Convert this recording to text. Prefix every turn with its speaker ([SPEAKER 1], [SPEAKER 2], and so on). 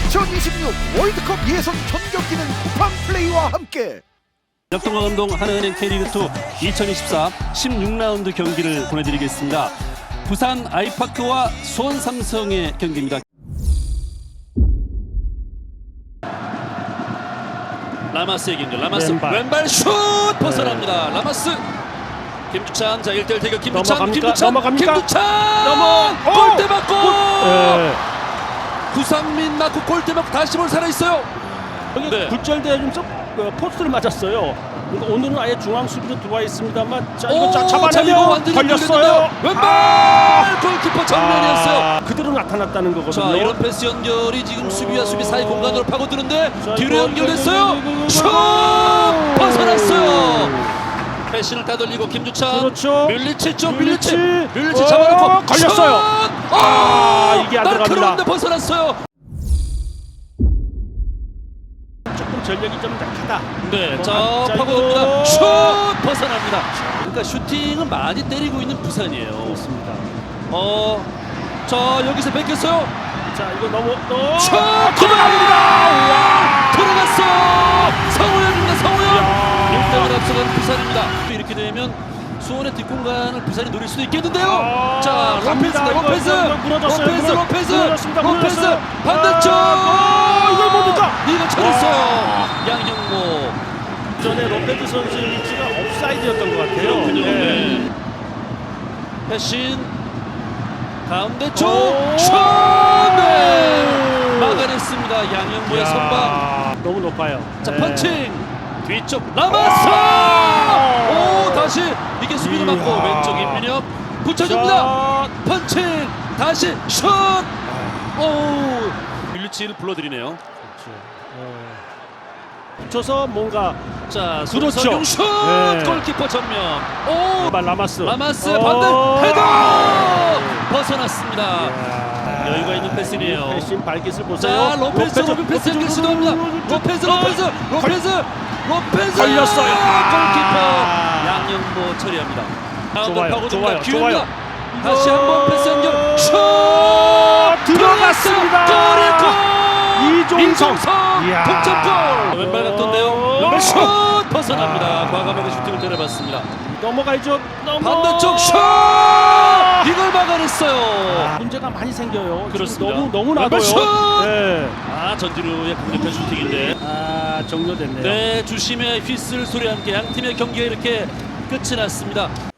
[SPEAKER 1] 2026 월드컵 예선 전 경기는 쿠팡 플레이와 함께
[SPEAKER 2] 역동과 감동 하나은행 K리그2 2024 16라운드 경기를 보내드리겠습니다. 부산 아이파크와 수원 삼성의 경기입니다. 라마스의 경기. 라마스 왼발 슛 벗어납니다. 라마스 김두찬. 자 1대1 대결. 김두찬 골대 맞고 구상민 맞고 골대 맞고 다시 볼 살아있어요.
[SPEAKER 3] 여기 굴절대 좀 포스트를 맞았어요. 그러니까 오늘은 아예 중앙 수비로 들어와 있습니다만 자 이거 잡아내면 걸렸어요.
[SPEAKER 2] 왼발 골키퍼 정면이었어요.
[SPEAKER 3] 그대로 나타났다는 거거든요.
[SPEAKER 2] 자 이런 패스 연결이 지금 수비와 수비 사이 공간으로 파고드는데 뒤로 연결됐어요. 슛 벗어났어요. 패신을 따돌리고 김주찬.
[SPEAKER 3] 그렇죠.
[SPEAKER 2] 밀리치 쪽 밀리치 잡아놓고
[SPEAKER 3] 걸렸어요. 이게 안 들어갑니다.
[SPEAKER 2] 날카로운데 벗어났어요.
[SPEAKER 3] 조금 전력이 좀 약하다.
[SPEAKER 2] 네, 자 파고듭니다. 슛 벗어납니다. 그러니까 슈팅은 많이 때리고 있는 부산이에요.
[SPEAKER 3] 그렇습니다.
[SPEAKER 2] 자 여기서 뺏겼어요.
[SPEAKER 3] 자 이거 너무
[SPEAKER 2] 슛 들어갑니다. 들어갔어. 성우현입니다. 성우현. 1등을 앞서간 부산입니다. 이렇게 되면 수원의 뒷공간을 부산이 노릴 수도 있겠는데요. 자 로페즈 반대쪽.
[SPEAKER 3] 이걸 뭡니까?
[SPEAKER 2] 이거 쳐냈어요. 양형모.
[SPEAKER 3] 전에 로페즈 선수의 위치가 옵사이드였던 것 같아요.
[SPEAKER 2] 네. 패신 가운데 쪽 슛! 네. 막아냈습니다. 양형모의 선방.
[SPEAKER 3] 너무 높아요.
[SPEAKER 2] 자 펀칭 뒤쪽 라마스. 오 다시 이게 수비를 맞고 왼쪽 임민혁 붙여줍니다. 펀칭 다시 슛. 오 밀리치를 불러드리네요.
[SPEAKER 3] 붙여서 뭔가
[SPEAKER 2] 자
[SPEAKER 3] 그렇죠.
[SPEAKER 2] 손석영 슛.
[SPEAKER 3] 네.
[SPEAKER 2] 골키퍼 정면. 오
[SPEAKER 3] 라마스
[SPEAKER 2] 반대 헤더 벗어났습니다. 여유가 있는 패스네요.
[SPEAKER 3] 패신 발깃을 보세요.
[SPEAKER 2] 자 로페즈 패스를 시도합니다. 로페즈
[SPEAKER 3] 걸렸어요.
[SPEAKER 2] 골키퍼 양영모 처리합니다.
[SPEAKER 3] 좋아요.
[SPEAKER 2] 다시 한번 패스 연결 슛
[SPEAKER 3] 들어갔습니다.
[SPEAKER 2] 골이고 이종성
[SPEAKER 3] 이야.
[SPEAKER 2] 동점골. 왼발 각도인데요. 슛 벗어납니다. 과감하게 슈팅을 때려봤습니다.
[SPEAKER 3] 넘어가야죠.
[SPEAKER 2] 반대쪽 슛 이걸 막아냈어요.
[SPEAKER 3] 문제가 많이 생겨요.
[SPEAKER 2] 그렇습니다.
[SPEAKER 3] 너무 나도요.
[SPEAKER 2] 네. 전지루의 강력한 슈팅인데
[SPEAKER 3] 종료됐네요.
[SPEAKER 2] 네 주심의 휘슬 소리와 함께 양 팀의 경기가 이렇게 끝이 났습니다.